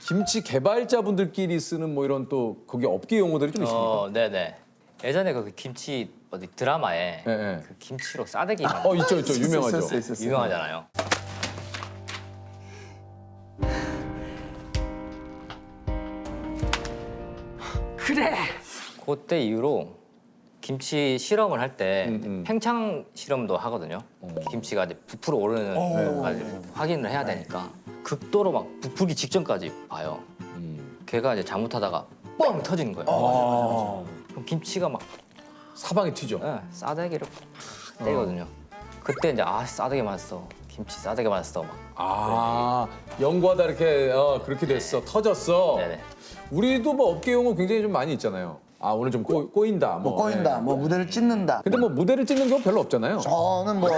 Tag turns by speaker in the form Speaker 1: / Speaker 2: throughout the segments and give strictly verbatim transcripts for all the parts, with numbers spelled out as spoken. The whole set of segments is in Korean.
Speaker 1: 김치 개발자분들끼리 쓰는 뭐 이런 또 거기 업계 용어들이 좀 있습니까?
Speaker 2: 어, 네네. 예전에 그 김치 어디 드라마에
Speaker 1: 네, 네.
Speaker 2: 그 김치로 싸대기 만
Speaker 1: 어 있죠 있죠 유명하죠.
Speaker 3: 있었어요, 있었어요.
Speaker 2: 유명하잖아요.
Speaker 3: 그래.
Speaker 2: 그때 이후로 김치 실험을 할 때
Speaker 1: 음, 음.
Speaker 2: 팽창 실험도 하거든요. 김치가 이제 부풀어 오르는 것까지 확인을 해야 되니까 극도로 막 부풀기 직전까지 봐요.
Speaker 1: 음.
Speaker 2: 걔가 이제 잘못하다가 뻥 터지는 거예요.
Speaker 3: 어.
Speaker 2: 그럼 김치가 막
Speaker 1: 사방에 튀죠.
Speaker 2: 예, 싸대기를 팍 때리거든요. 그때 이제 아 싸대기 맞았어. 김치 싸대기 맞았어. 막.
Speaker 1: 아 연구하다 이렇게 어, 그렇게 됐어 터졌어.
Speaker 2: 네네.
Speaker 1: 우리도 뭐 업계 용어 굉장히 좀 많이 있잖아요. 아 오늘 좀 꼬, 꼬인다.
Speaker 3: 뭐 꼬인다,
Speaker 1: 예.
Speaker 3: 뭐 무대를 찢는다.
Speaker 1: 근데 뭐 무대를 찍는 경우 별로 없잖아요.
Speaker 3: 저는 뭐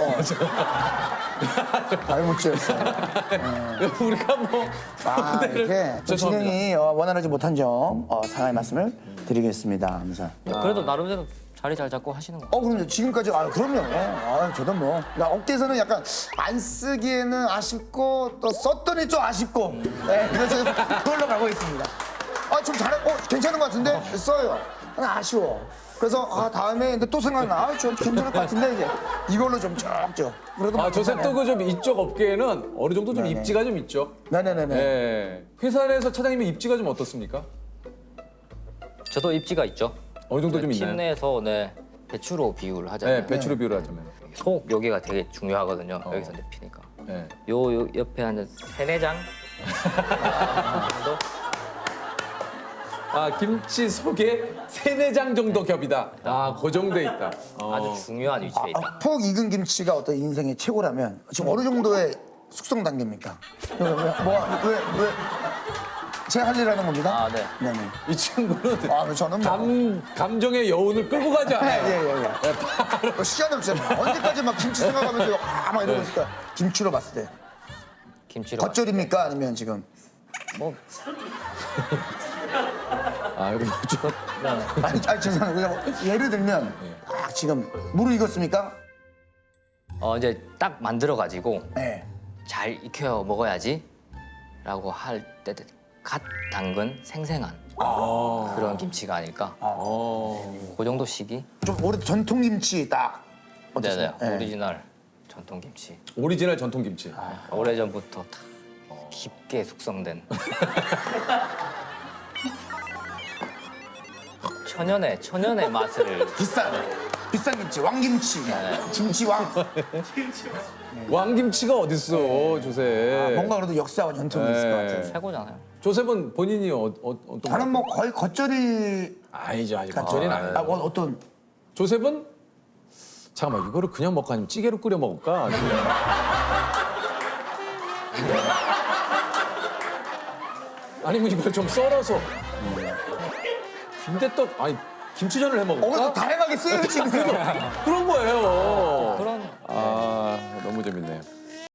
Speaker 3: 발못지였어요.
Speaker 1: 우리가 뭐
Speaker 3: 아 이렇게 좀
Speaker 1: 죄송합니다.
Speaker 3: 진행이 어, 원활하지 못한 점 어, 사과의 말씀을 드리겠습니다. 하면서.
Speaker 2: 그래도 나름대로 자리 잘 잡고 하시는 거.
Speaker 3: 어 그럼요. 지금까지 아 그럼요. 아 저도 뭐 나 업계에서는 약간 안 쓰기에는 아쉽고 또 썼더니 좀 아쉽고. 네, 그래서 그걸로 가고 있습니다. 아 좀 잘해. 어 괜찮은 것 같은데 써요. 아, 아쉬워. 그래서 아 다음에 근데 또 생각나. 아, 좀 괜찮을 것 같은데 이제 이걸로 좀 쭉쭉. 그래도
Speaker 1: 아 조셉 또그 좀 이쪽 업계에는 어느 정도 좀
Speaker 3: 네네.
Speaker 1: 입지가 좀 있죠.
Speaker 3: 네네네네.
Speaker 1: 예. 회사 내에서 차장님의 입지가 좀 어떻습니까?
Speaker 2: 저도 입지가 있죠.
Speaker 1: 어느 정도 좀
Speaker 2: 팀
Speaker 1: 있나요?
Speaker 2: 내에서 네, 배추로 비유를 하잖아요.
Speaker 1: 네, 배추로 비유를 하자면.
Speaker 2: 속 여기가 되게 중요하거든요.
Speaker 1: 어.
Speaker 2: 여기서 이제 피니까.
Speaker 1: 예.
Speaker 2: 요, 요 옆에 한 세네 장 정도?
Speaker 1: 아 김치 속에 세네 장 정도 겹이다. 아, 그 정도에 있다. 어.
Speaker 2: 아주 중요한 위치에 있다.
Speaker 3: 아, 푹 익은 김치가 어떤 인생의 최고라면 지금 어느 정도의 숙성 단계입니까? 왜, 왜, 뭐, 왜, 왜? 제가 할 일 하는 겁니다.
Speaker 2: 아, 네.
Speaker 3: 네네.
Speaker 1: 이 친구는
Speaker 3: 아, 저는 뭐.
Speaker 1: 감 감정의 여운을 끌고 가지
Speaker 3: 예,
Speaker 1: 않아요.
Speaker 3: 예, 예. 예. 시간 없잖아요. 언제까지 막 김치 생각하면서 아, 막 이러고 있을까? 김치로 봤을 때.
Speaker 2: 김치로.
Speaker 3: 겉절입니까? 아니면 지금?
Speaker 2: 뭐,
Speaker 1: 아, 이거 좀
Speaker 3: 아니, 아니 죄송해요. 그냥 예를 들면, 아, 지금 물을 익었습니까?
Speaker 2: 어, 이제 딱 만들어가지고
Speaker 3: 네.
Speaker 2: 잘 익혀 먹어야지 라고 할 때 갓 담근 생생한 그런 김치가 아닐까.
Speaker 1: 어.
Speaker 2: 그 정도 시기?
Speaker 3: 좀 오래 전통 김치 딱.
Speaker 2: 네네.
Speaker 3: 어떠세요? 네.
Speaker 2: 오리지널 전통 김치.
Speaker 1: 오리지널 전통 김치.
Speaker 2: 오래전부터 다 깊게 숙성된 천연의 천연의 맛을
Speaker 3: 비싼, 비싼 김치, 왕김치. 김치왕.
Speaker 1: 왕김치가 어딨어, 조셉.
Speaker 3: 뭔가 그래도 역사와 전통이 있을 것 같아요.
Speaker 2: 최고잖아요.
Speaker 1: 조셉은 본인이 어, 어, 어떤
Speaker 3: 저는 뭐 거의 겉절이
Speaker 1: 아니죠, 아직
Speaker 3: 같죠.
Speaker 1: 겉절이는
Speaker 3: 아,
Speaker 1: 아니에요.
Speaker 3: 어, 어떤
Speaker 1: 조셉은 잠깐만 이거를 그냥 먹고 아니면 찌개로 끓여 먹을까? 아니면 이걸 좀 썰어서. 근데 또 아니 김치전을 해
Speaker 3: 어,
Speaker 1: 먹을까?
Speaker 3: 그래도 다양하게 쓰여지는
Speaker 1: 그런 거예요.
Speaker 2: 그런
Speaker 1: 아 너무 재밌네요.